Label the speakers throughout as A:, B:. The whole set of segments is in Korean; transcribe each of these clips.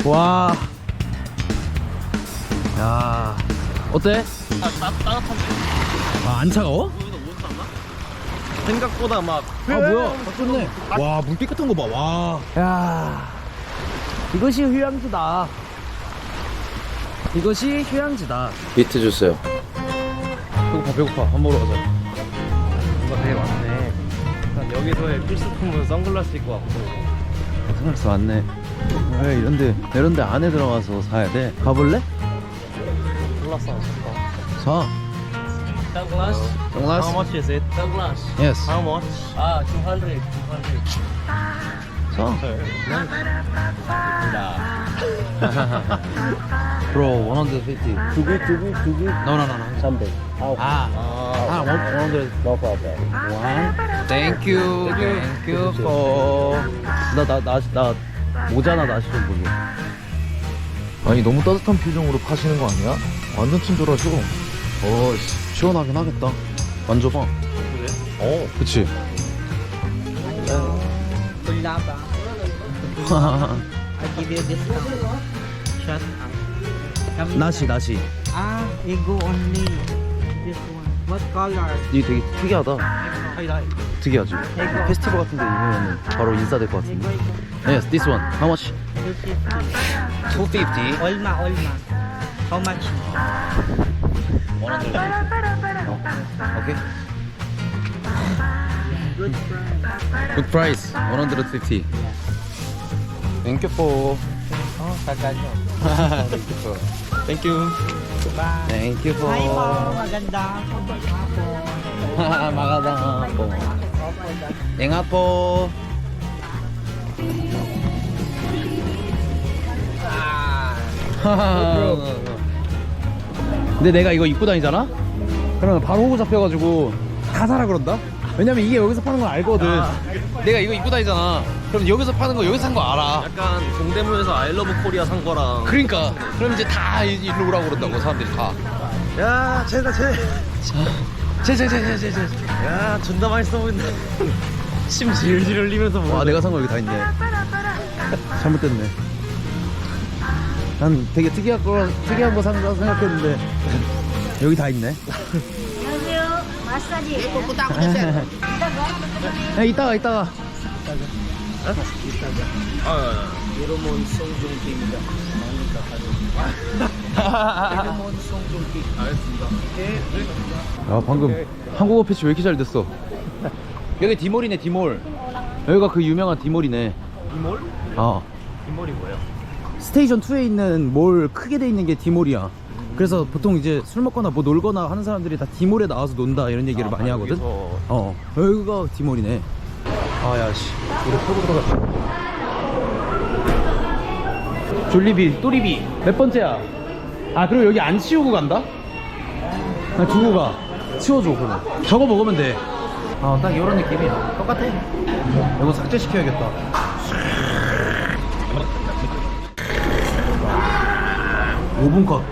A: 와. 야. 어때?
B: 따뜻한데?
A: 아, 안 차가워?
B: 여기서 못 샀나? 생각보다 막.
A: 아, 뭐야? 좋네. 와, 물 깨끗한 거 봐. 와. 야. 이것이 휴양지다. 이것이 휴양지다.
C: 비트 주세요.
A: 배고파, 배고파. 밥 먹으러 가자.
B: 뭔가 되게 많네. 일단 여기서의 필수품은 선글라스 입고 왔고.
A: 선글라스 왔네. 왜 이런데 안에 들어가서 사야 돼? 가볼래?
B: 선글라스 안 쓸까?
A: 사.
B: 선글라스?
A: Sunglass?
B: How much is it? 선글라스.
A: Yes.
B: How much? 아, 200.
A: 사.
B: 야.
A: Bro, 150.
B: 두개?
A: No, no, no, no.
B: 300.
A: 아, 100.
B: No problem.
A: One. Thank you. Thank you for. 나 모자나 나시 좀 보게.
C: 아니 너무 따뜻한 표정으로 파시는 거 아니야? 완전 친절하셔.
A: 시원하긴 하겠다. 만져봐.
B: 그래?
A: 그치?
D: Kulaba. I give you discount. Shut up.
A: 나시.
D: Ego only. This one. What color?
A: 이게 되게 특이하다.
D: I like.
A: 특이하지? 페스티벌 같은 데 입으면 바로 인싸될 것 같은데. Yes, this one. How much?
D: 250.
A: 250.
D: Olma. How much?
A: 100. Okay.
D: Good price.
A: Good price. 150. Thank you for.
D: Tagal.
A: Thank you.
D: Bye.
A: Thank you for.
D: Hi mo. Maganda.
A: Magandang hapon. Ingat po. 근데 내가 이거 입고 다니잖아? 그러면 바로 호구 잡혀가지고 다 사라 그런다? 왜냐면 이게 여기서 파는 걸 알거든. 내가 이거 입고 다니잖아. 그럼 여기서 파는 거 여기서 산 거 알아.
B: 약간 동대문에서 아이러브 코리아 산 거랑.
A: 그러니까 그럼 이제 다 일로 오라고 그런다고 사람들이 다.
B: 야, 쟤다, 쟤.
A: 제.
B: 야, 존나 맛있어 보인다. 침 질질 흘리면서 먹어.
A: 와, 내가 산 거 여기 다 있네. 잘못됐네. 난 되게 특이한 거 산다 생각했는데 여기 다 있네.
E: 마사지.
A: 야, 이따가.
D: Iromon 송종기입니다. Iromon 송종기.
A: 야, 방금 한국어 패치 왜 이렇게 잘 됐어? 여기 디몰이네, 디몰. 여기가 그 유명한 디몰이네.
B: 이몰? 이몰이 뭐예요?
A: 스테이션 2에 있는 몰 크게 돼 있는 게 디몰이야. 그래서 보통 이제 술 먹거나 뭐 놀거나 하는 사람들이 다 디몰에 나와서 논다 이런 얘기를 많이 하거든. 여기가 디몰이네. 아야씨, 우리 타고 들어갔다. 졸리비, 또리비 몇 번째야? 아, 그리고 여기 안 치우고 간다? 나 두고 가. 치워줘 그럼. 저거 먹으면 돼. 딱 이런 느낌이야. 똑같아. 이거 삭제시켜야겠다. 5분 컷.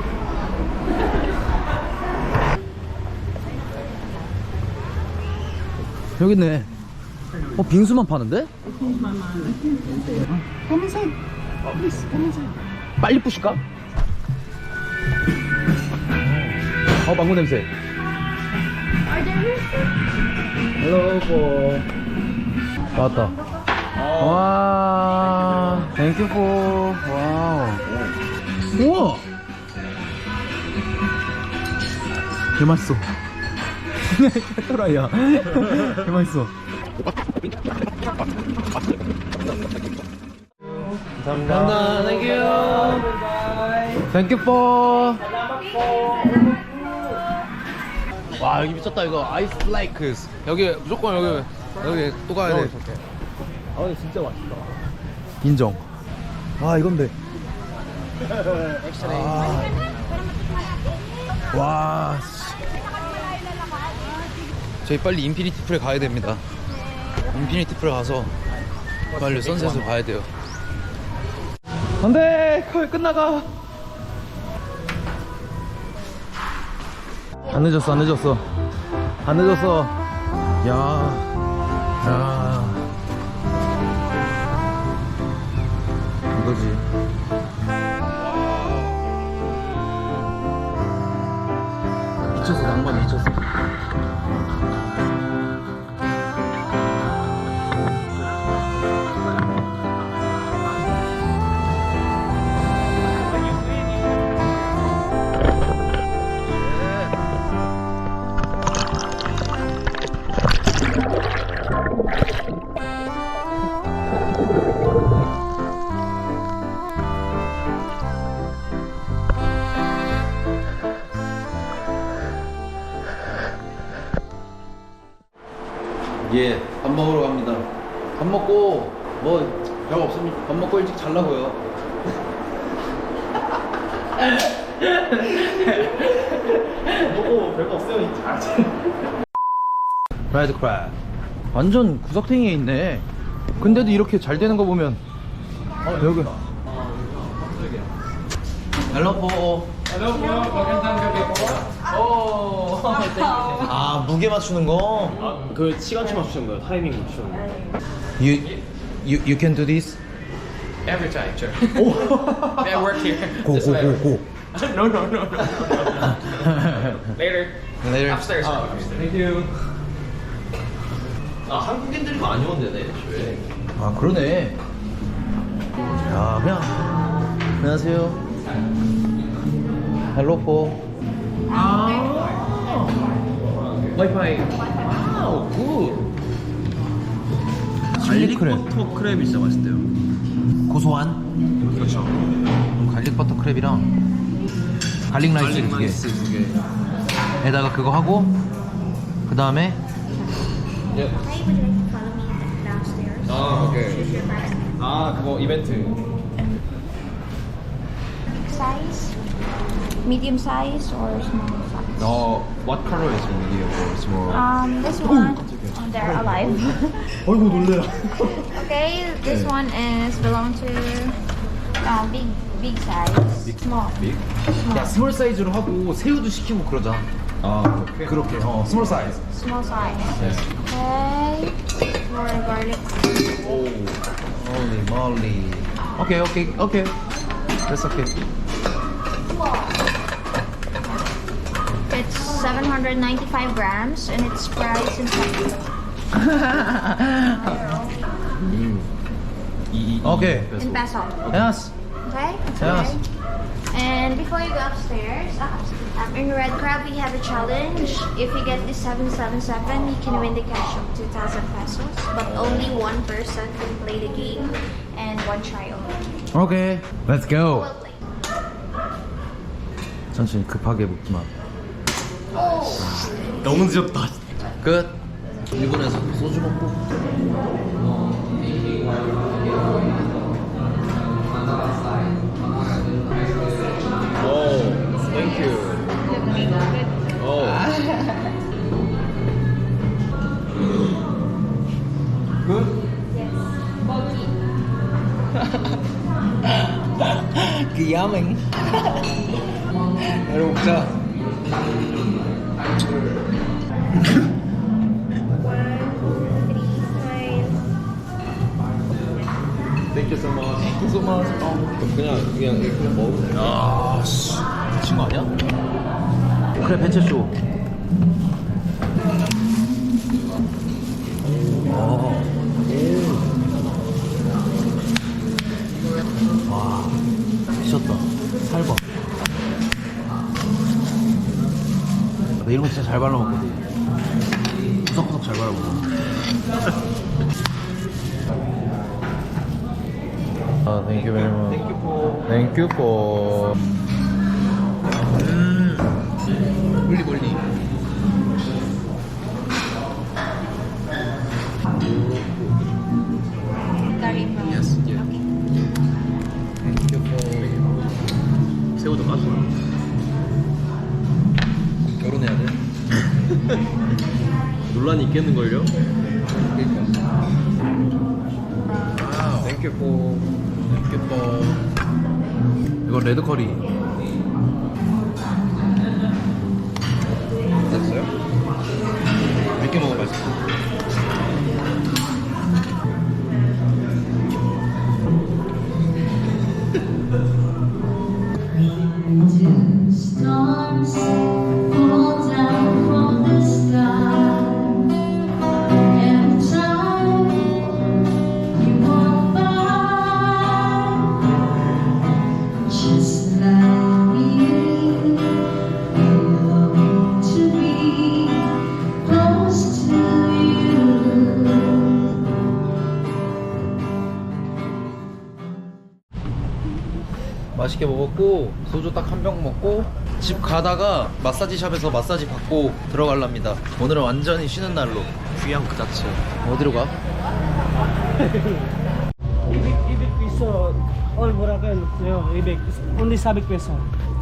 A: 여기 있네. 빙수만 파는데? 빨리 부실까? 망고 냄새. 헬로. 나왔다. 와, 땡큐 포. 와우. 우와. 개 맛있어. 또라이야. 개 맛있어. 감사합니다. 땡큐 포. 와, 여기 미쳤다. 이거 아이스 라이크스. 여기 무조건 여기 또 가야 돼.
B: 근데 진짜 맛있다.
A: 인정. 이건데. 와. 저희 빨리 인피니티 풀에 가야 됩니다. 인피니티 풀에 가서 빨리 선셋을 봐야 돼요. 안돼, 거의 끝나가. 안 늦었어. 야, 이거지. 미쳤어, 낭만 미쳤어. 예, 밥 먹으러 갑니다. 밥 먹고 뭐 별거 없습니다. 밥 먹고 일찍 자려고요.
B: 먹고 별거 없으면 잘하지.
A: 라이드 크랩. 완전 구석탱이에 있네. 근데도 이렇게 잘 되는 거 보면 여기. 헬로포. 아, 무게 맞추는 거?
B: 그 시간치 맞추는 거예요. 타이밍 맞추는 거.
A: You can do this?
E: Every time, sure. I work here.
A: Go,
E: This
A: go,
E: way.
A: go, go.
E: No. Later.
A: Later.
E: Upstairs.
B: Thank you. 아, 한국인들이 많이 온대네, 애초에.
A: 아, 그러네. 야, 그냥. 안녕하세요. 헬로포.
B: 와이파이. 와우, 굿.
A: 갈릭 크랩.
B: 버터 크랩이 진짜 맛있대요.
A: 고소한?
B: 그렇죠.
A: 갈릭 버터 크랩이랑 갈릭 라이스 두 개.
B: 두 개.
A: 에다가 그거 하고 그 다음에
B: 예.
F: Hi, would you like to follow me downstairs?
B: 아, 오케이.
F: Choose your price.
B: 아, 그거 이벤트.
F: Size? Medium size or small size?
B: What color is medium or small?
F: This one, they're alive.
A: 어이구 놀래라.
F: Okay, this one is belong to big size. Small.
B: Big?
A: 야, 스몰 사이즈로 하고 새우도 시키고 그러자.
B: 아,
A: 그렇게. 스몰 사이즈.
F: Small size. Okay. For garlic.
A: 홀리 몰리. 오케이. That's okay.
F: It's 795 grams and it's priced in peso.
A: 오케이.
F: In peso.
A: Yes.
F: Okay?
A: Yes.
F: Okay. And before you go upstairs, in Red Crab we have a challenge. If you get this 777, you can win the cash of 2,000 pesos. But only one person can play the game and one trial.
A: 오케이. Let's go.
F: Well played.
A: 천천히 급하게 먹지 마.
B: 너무 늦었다.
A: 끝. 일본에서 소주 먹고.
B: Thank you.
A: 그 야맹. 바로 먹자.
B: Thank you so much.
A: Thank you so much.
B: 그냥 이렇게 먹으면 돼.
A: 아, 씨. 미친 거 아니야? 그래, 벤체쇼. 와, 미쳤다. 살봐. 나 이런 거 진짜 잘 발라먹거든. 구석구석 잘 발라먹어. 아, thank you very much. Thank you for. 멀리.
F: Curry prawn.
B: Yes.
F: Okay.
A: Thank you for.
B: 새우도 맛있어.
A: 결혼해야 돼.
B: 논란이 있겠는걸요?
A: Thank you for. Thank you for. 이거 레드 커리.
B: 됐어요?
A: 몇 개 먹어 맛있어.
G: Storms fall down.
A: 맛있게 먹었고 소주 딱 한 병 먹고 집 가다가 마사지 샵에서 마사지 받고 들어갈랍니다. 오늘은 완전히 쉬는 날로.
B: 귀향 그 자체.
A: 어디로 가?
G: Ibig piso, all Boracay, ibig, only sabik peso.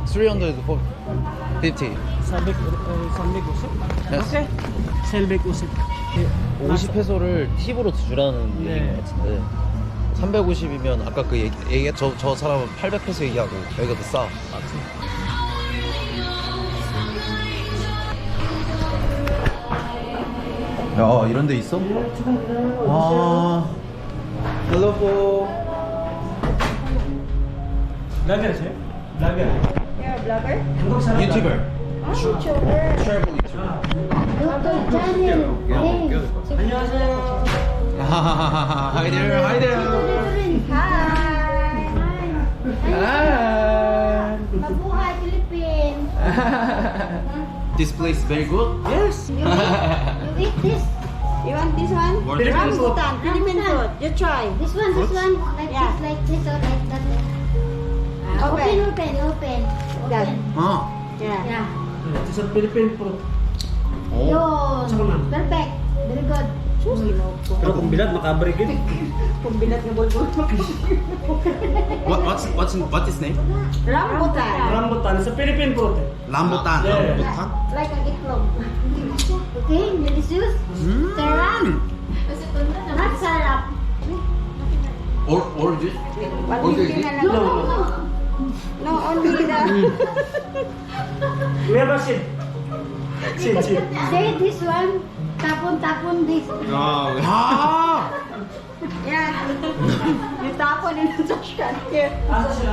A: 350.
G: Sabik usip.
A: Yes.
G: Okay. Selbik usip.
A: 50페소를 팁으로 주라는
G: 네.
A: 얘기인 것 같은데 350이면 아까 그 얘기 저 사람은 800페소 얘기하고 여기가 더 싸. 야, 이런 데 있어? 아. Hello po.
G: Vlogger, sir? Vlogger.
F: You're a blogger?
A: YouTuber.
F: Oh, YouTuber.
A: Travel YouTuber.
F: YouTube channel.
G: 안녕하세요.
A: Hi there. Hi there.
F: Hi. Mabuhay, Philippines.
A: This place very good.
G: Yes.
F: You eat this? You want this one?
G: Philippine food.
F: Rambutan, Philippine food. You try. This one, like this, like this, or like that. Open.
A: 아.
F: Yeah.
G: It's a Philippine fruit.
F: Yun. Perfect. Very good.
G: Pero kung bilat, makabre gid.
A: What is name?
F: Rambutan.
G: Rambutan, it's a Philippine fruit.
A: Rambutan.
G: Yeah.
F: Like a itlog. Okay, delicious. Sarap. Not sarap.
A: Or this?
F: No, only the...
G: We have a seed. Seed.
F: Say this one. Tapon this.
A: 아.
F: Yeah. You tapon in the trash here.
G: Asa sila?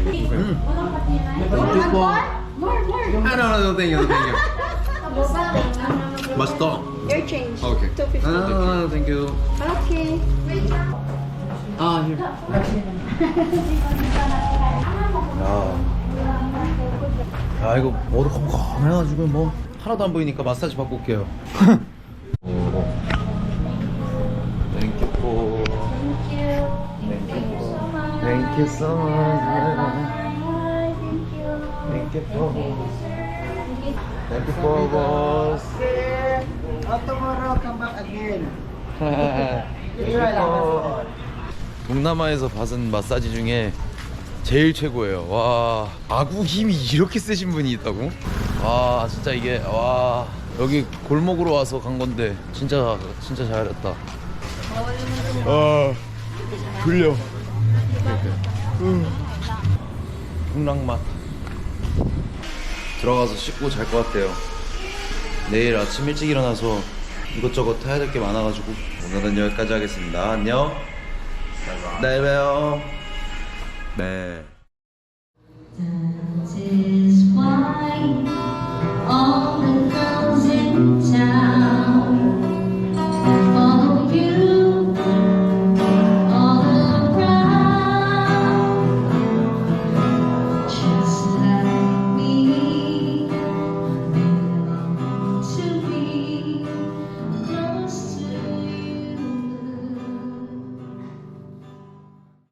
F: More.
A: No, thank you. 맛있다.
F: Your change.
A: Okay.
F: 250.
A: Thank you.
F: Okay.
A: 아, here. 야, 이거 머리 컴컴해가지고 뭐 하나도 안 보이니까 마사지 받고 올게요. Thank you for. Thank you so much. Thank you for. Thank you for boss.
G: Tomorrow, come back again.
A: 동남아에서 받은 마사지 중에 제일 최고예요. 와, 아구 힘이 이렇게 세신 분이 있다고? 와, 진짜 이게 와, 여기 골목으로 와서 간 건데 진짜 잘했다. 아, 졸려. 풍랑맛. 들어가서 씻고 잘 것 같아요. 내일 아침 일찍 일어나서 이것저것 해야 될 게 많아가지고 오늘은 여기까지 하겠습니다. 안녕. 내일 봬요. 네.